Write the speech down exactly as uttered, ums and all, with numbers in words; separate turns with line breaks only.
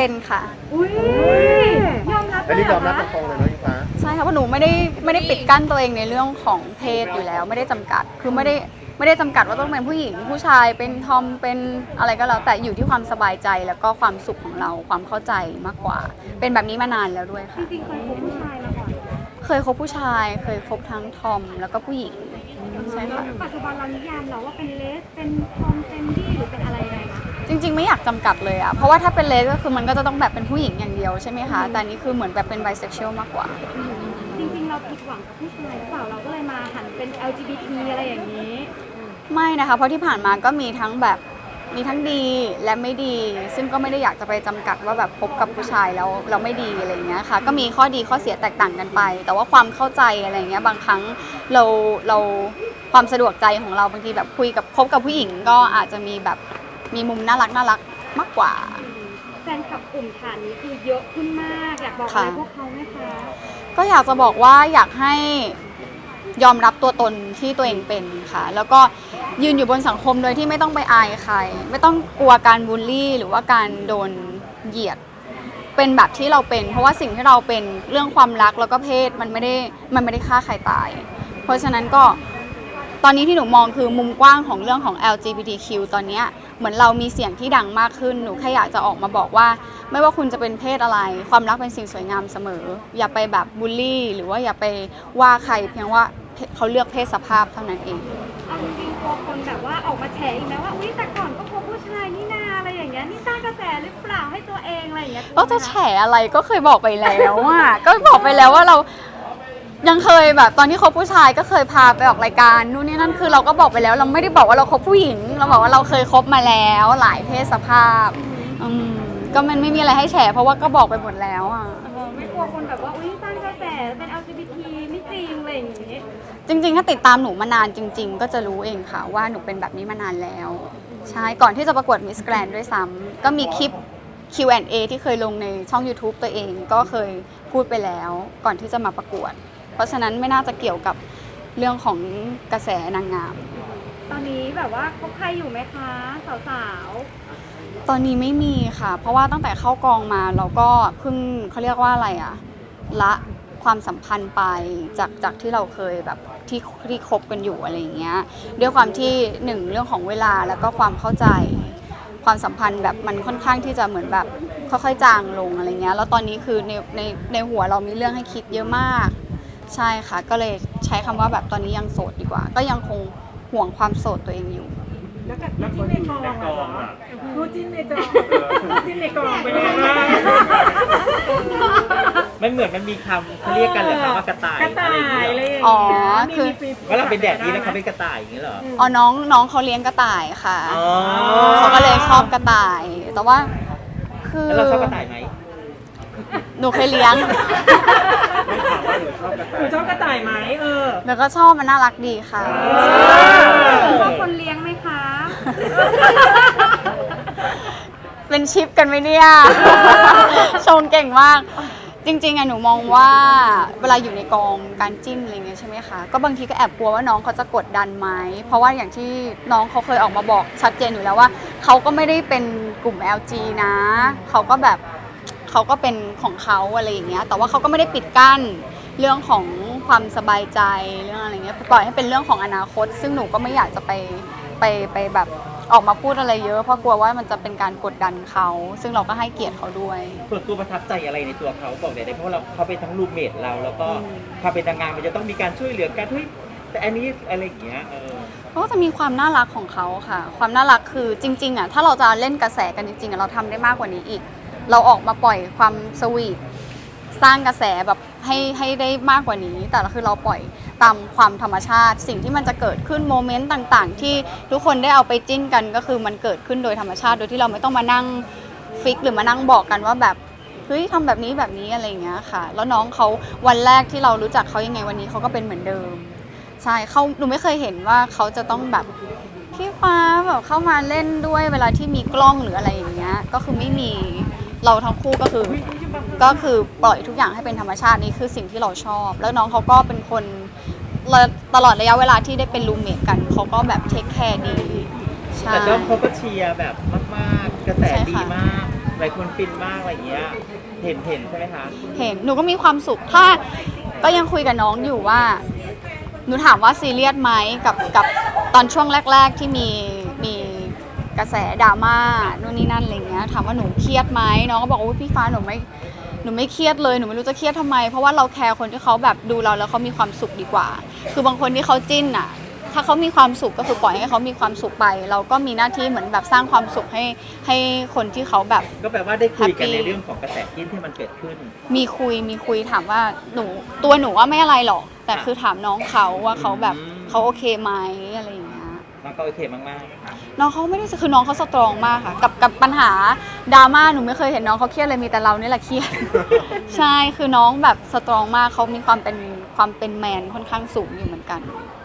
เป็นค่ะ
อุ้ยยอมรับเล
อัน
ย
นี้
เห
ย
ร
อ
อ
มรับ
คะ
ตรงๆเลยเนาะอิงฟ้า
ใช่ค่ะเพราะหนูไม่ได้ไม่ได้ปิดกั้นตัวเองในเรื่องของเพศอยู่แล้วไม่ได้จำกัดคือไม่ได้ไม่ได้จำกัดว่าต้องเป็นผู้หญิงผู้ชายเป็นทอมเป็นอะไรก็แล้วแต่อยู่ที่ความสบายใจแล้วก็ความสุขของเราความเข้าใจมากกว่า เป็นแบบนี้มานานแล้วด้วย
จ
ค่ะ
ริงๆเคยคบผู้ชายมาก่อน
เคยคบผู้ชาย เคยคบทั้งทอมแล้วก็ผู้หญิงใช่ค่ะ
ปัจจุบันเรานิยามเราว่าเป็นเลสเป็นทอมเป็นดี้หรือเป็นอะไรยังไงคะ
จริงๆไม่อยากจำกัดเลยอะเพราะว่าถ้าเป็นเลสก็คือมันก็จะต้องแบบเป็นผู้หญิงอย่างเดียวใช่ไหมคะแต่อันนี้คือเหมือนแบบเป็นไบเซ็กชวลมากกว่า
จริงๆเราผิดหวังกับผู้ชายหรือเปล่าเราก็เลยมาหันเป็น แอล จี บี ที อะไรอย่างนี้
ไม่นะคะเพราะที่ผ่านมาก็มีทั้งแบบมีทั้งดีและไม่ดี ซึ่งก็ไม่ได้อยากจะไปจำกัดว่าแบบพบกับผู้ชายแล้วเราไม่ดีอะไรอย่างเงี้ยค่ะก็มีข้อดีข้อเสียแตกต่างกันไป แต่ว่าความเข้าใจอะไรอย่างเงี้ยบางครั้งเราเราความสะดวกใจของเราบางทีแบบคุยกับคบกับผู้หญิงก็อาจจะมีแบบมีมุมน่ารักน่ารักมากกว่า
แฟนคลับกลุ่มฐานนี้คือเยอะขึ้นมากอยากบอกอะไรพวกเขาไหมคะ
ก็อยากจะบอกว่าอยากให้ยอมรับตัวตนที่ตัวเองเป็นค่ะแล้วก็ยืนอยู่บนสังคมโดยที่ไม่ต้องไปอายใคร ไม่ต้องกลัวการบูลลี่หรือว่าการโดนเหยียดเป็นแบบที่เราเป็น เพราะว่าสิ่งที่เราเป็นเรื่องความรักแล้วก็เพศมันไม่ได้มันไม่ได้ฆ่าใครตาย เพราะฉะนั้นก็ตอนนี้ที่หนูมองคือมุมกว้างของเรื่องของ แอล จี บี ที คิว ตอนนี้เหมือนเรามีเสียงที่ดังมากขึ้นหนูแค่อยากจะออกมาบอกว่าไม่ว่าคุณจะเป็นเพศอะไรความรักเป็นสิ่งสวยงามเสมออย่าไปแบบบูลลี่หรือว่าอย่าไปว่าใครเพียงว่าเขาเลือกเพศสภาพเท่านั้นเอง
เอาจริงๆกลัวคนแบบว่าออกมาแฉอีกนะว่าอุ้ยแต่ก่อนก็คบผู้ชายนี่นาอะไรอย่างเงี้ยนี่สร้างกระแสหรือเปล่าให้ตัวเองอะไรอย่างเงี้ย
ก็จะแฉอะไรก็เคยบอกไปแล้วอ่ะ ก็บอกไปแล้วว่าเรายังเคยแบบตอนที่คบผู้ชายก็เคยพาไปออกรายการนู่นนี่นั่นคือเราก็บอกไปแล้ว เราไม่ได้บอกว่าเราคบผู้หญิง เราบอกว่าเราเคยคบมาแล้วหลายเพศสภาพอืมก็มันไม่มีอะไรให้แฉเพราะว่าก็บอกไปหมดแล้วอ่ะ
เออไม่กลัวคนแบบว่าอุ้ยสร้างกระแสเป็น แอล จี บี ที ไม่จริงอะไรอย่างงี้
จริงๆถ้าติดตามหนูมานานจริง ๆ ก็จะรู้เองค่ะว่าหนูเป็นแบบนี้มานานแล้วใช่ก่อนที่จะประกวด Miss Grand ด้วยซ้ำก็มีคลิป คิว แอนด์ เอ ที่เคยลงในช่อง YouTube ตัวเองก็เคยพูดไปแล้วก่อนที่จะมาประกวด เพราะฉะนั้นไม่น่าจะเกี่ยวกับเรื่องของกระแสนางงาม
ตอนนี้แบบว่าคบใครอยู่ไหมคะ สาว
ตอนนี้ไม่มีค่ะ เพราะว่าตั้งแต่เข้ากองมาเราก็เพิ่งเขาเรียกว่าอะไรอะละความสัมพันธ์ไปจากจากที่เราเคยแบบที่ที่คบกันอยู่อะไรอย่างเงี้ยด้วยความที่หนึ่งเรื่องของเวลาแล้วก็ความเข้าใจ ความสัมพันธ์แบบมันค่อนข้างที่จะเหมือนแบบค่อยๆจางลงอะไรเงี้ยแล้วตอนนี้คือในในในหัวเรามีเรื่องให้คิดเยอะมากใช่ค่ะก็เลยใช้คำว่าแบบตอนนี้ยังโสดดีกว่า ก็ยังคงห่วงความโสดตัวเองอยู่
แล้วกับคู่จิ้นในกองอะเหรอคู่จิ้นในจอคู่จิ้นในกองเป็นยังไงบ้าง
มันเหมือนมันมีคำเขาเรียกกันเหรอคะว่ากระต่าย
กระต่ายอะไรอย่าง
อ๋
เงี้
อย คือ
มี
ว่าเราเป็นแดดดีแล้วเขาเป็นกระต่ายอย่างนี้เหรอ
อ๋อน้องน้องเขาเลี้ยงกระต่ายค่ะ
อ๋อ
เขาก็เลยชอบกระต่าย แต่ว่าคือ
แล้วเราชอบกระต่ายไหม
หนูเคยเลี้ยง
ไม่ถามว่าหนูชอบกระ
ห
ต่า
นู
ย
ชอบกระต่ายไหมเออ
แล้วก็ชอบมันน่ารักดีค่ะ
ๆชอบคนเลี้ยงไหมคะ
เป็นชิปกันไหมเนี่ย ชงเก่งมาก จริงๆอะหนูมองว่าเวลาอยู่ในกองการจิ้นอะไรเงี้ยใช่ไหมคะ ก็บางทีก็แอบกลัวว่าน้องเขาจะกดดันไหม เพราะว่าอย่างที่น้องเขาเคยออกมาบอกชัดเจนอยู่แล้วว่าเขาก็ไม่ได้เป็นกลุ่ม แอล จี นะ เขาก็แบบเขาก็เป็นของเขาอะไรอย่างเงี้ย แต่ว่าเขาก็ไม่ได้ปิดกั้นเรื่องของความสบายใจเรื่องอะไรเงี้ย ปล่อยให้เป็นเรื่องของอนาคต ซึ่งหนูก็ไม่อยากจะไปไปไปแบบออกมาพูดอะไรเยอะ เพราะกลัวว่ามันจะเป็นการกดดันเขา ซึ่งเราก็ให้เกียรติเขาด้วย
ส่วนตัวประทับใจอะไรในตัวเขาบอกได้ไหมเพราะว่าเราเขาเป็นทั้งรูมเมทเราแล้วก็ความเป็นนางงามมันจะต้องมีการช่วยเหลือกันเฮ้ยแต่อันนี้อะไรอย่างเงี้ยเออ
เขาก็จะมีความน่ารักของเขาค่ะ ความน่ารักคือจริงๆอ่ะถ้าเราจะเล่นกระแสกันจริงๆอ่ะเราทำได้มากกว่านี้อีก เราออกมาปล่อยความสวีทสร้างกระแสแบบให้ให้ได้มากกว่านี้ แต่คือเราปล่อยตามความธรรมชาติ สิ่งที่มันจะเกิดขึ้นโมเมนต์ต่างๆ ที่ทุกคนได้เอาไปจิ้นกันก็คือมันเกิดขึ้นโดยธรรมชาติโดยที่เราไม่ต้องมานั่งฟิกหรือมานั่งบอกกันว่าแบบเฮ้ยทำแบบนี้แบบนี้อะไรอย่างเงี้ยค่ะ แล้วน้องเขาวันแรกที่เรารู้จักเขายังไงวันนี้เขาก็เป็นเหมือนเดิม ใช่เขาหนูไม่เคยเห็นว่าเขาจะต้องแบบพี่ฟ้าแบบเข้ามาเล่นด้วยเวลาที่มีกล้องหรืออะไรอย่างเงี้ยก็คือไม่มีเราทั้งคู่ก็คือก็คือปล่อยทุกอย่างให้เป็นธรรมชาตินี่คือสิ่งที่เราชอบ แล้วน้องเขาก็เป็นคนตลอดระยะเวลาที่ได้เป็นรูมเมทกันเขาก็แบบเทคแคร์ดีใช่
แต่เจ้าเขาก็เชียร์แบบมากๆ กระแสดีมากหลายคนฟินมากอะไรอย่างเงี้ยเห็นเห็นใช่ไหมคะ
เห็นหนูก็มีความสุขถ้าก็ยังคุยกับน้องอยู่ว่าหนูถามว่าซีเรียสไหมกับกับตอนช่วงแรก ๆ ที่มีมีกระแสดราม่านู่นนี่นั่นอะไรเงี้ยถามว่าหนูเครียดไหมน้องก็บอกว่าพี่ฟ้าหนูไม่หนูไม่เครียดเลยหนูไม่รู้จะเครียดทำไมเพราะว่าเราแคร์คนที่เขาแบบดูเราแล้วเขามีความสุขดีกว่า คือบางคนที่เขาจิ้นอ่ะถ้าเขามีความสุขก็คือปล่อยให้เขามีความสุขไป เราก็มีหน้าที่เหมือนแบบสร้างความสุขให้ให้คนที่เขาแบบ
ก็แปลว่าได้คุยกัน
Happy
ในเรื่องของกระแสจิ้นที่มันเกิดขึ้น
มีคุยมีคุยถามว่าหนูตัวหนูว่าไม่อะไรหรอก แต่
ค่ะ
คือถามน้องเขาว่าเขาแบบ
อืม
เขาโอเคไหมอะไรอย่างเงี้ย
มันก็โอเคมาก
น้องเขาไม่ได้คือน้องเขาสตรองมากค่ะกับกับปัญหาดราม่าหนูไม่เคยเห็นน้องเขาเครียดเลยมีแต่เรานี่แหละเครียด ใช่คือน้องแบบสตรองมากเขามีความเป็นความเป็นแมนค่อนข้างสูงอยู่เหมือนกัน
ๆ